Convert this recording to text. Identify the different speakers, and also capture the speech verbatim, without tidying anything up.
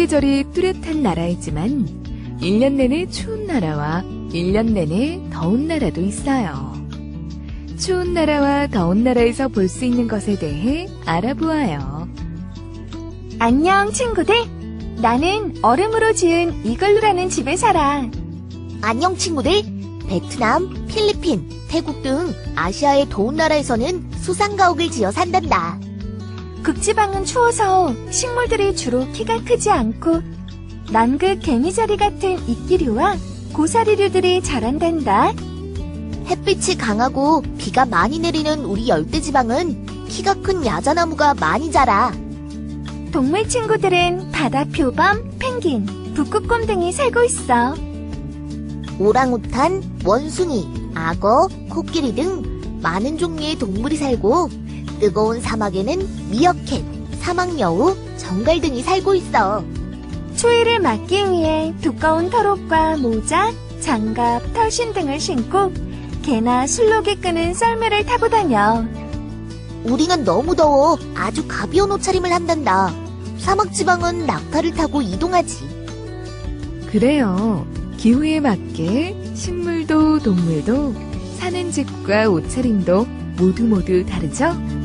Speaker 1: 사계절이 뚜렷한 나라이지만 일 년 내내 추운 나라와 일 년 내내 더운 나라도 있어요. 추운 나라와 더운 나라에서 볼 수 있는 것에 대해 알아보아요.
Speaker 2: 안녕, 친구들. 나는 얼음으로 지은 이글루라는 집에 살아.
Speaker 3: 안녕 친구들. 베트남, 필리핀, 태국 등 아시아의 더운 나라에서는 수상가옥을 지어 산단다.
Speaker 2: 극지방은 추워서 식물들이 주로 키가 크지 않고 남극 개미자리 같은 이끼류와 고사리류들이 자란단다.
Speaker 3: 햇빛이 강하고 비가 많이 내리는 우리 열대지방은 키가 큰 야자나무가 많이 자라.
Speaker 2: 동물 친구들은 바다 표범, 펭귄, 북극곰 등이 살고 있어.
Speaker 3: 오랑우탄, 원숭이, 악어, 코끼리 등 많은 종류의 동물이 살고 뜨거운 사막에는 미어캣, 사막여우, 정갈 등이 살고 있어.
Speaker 2: 추위를 막기 위해 두꺼운 털옷과 모자, 장갑, 털신 등을 신고 개나 술록이 끄는 썰매를 타고 다녀.
Speaker 3: 우리는 너무 더워 아주 가벼운 옷차림을 한단다. 사막지방은 낙타를 타고 이동하지.
Speaker 1: 그래요. 기후에 맞게 식물도 동물도 사는 집과 옷차림도 모두 모두 다르죠?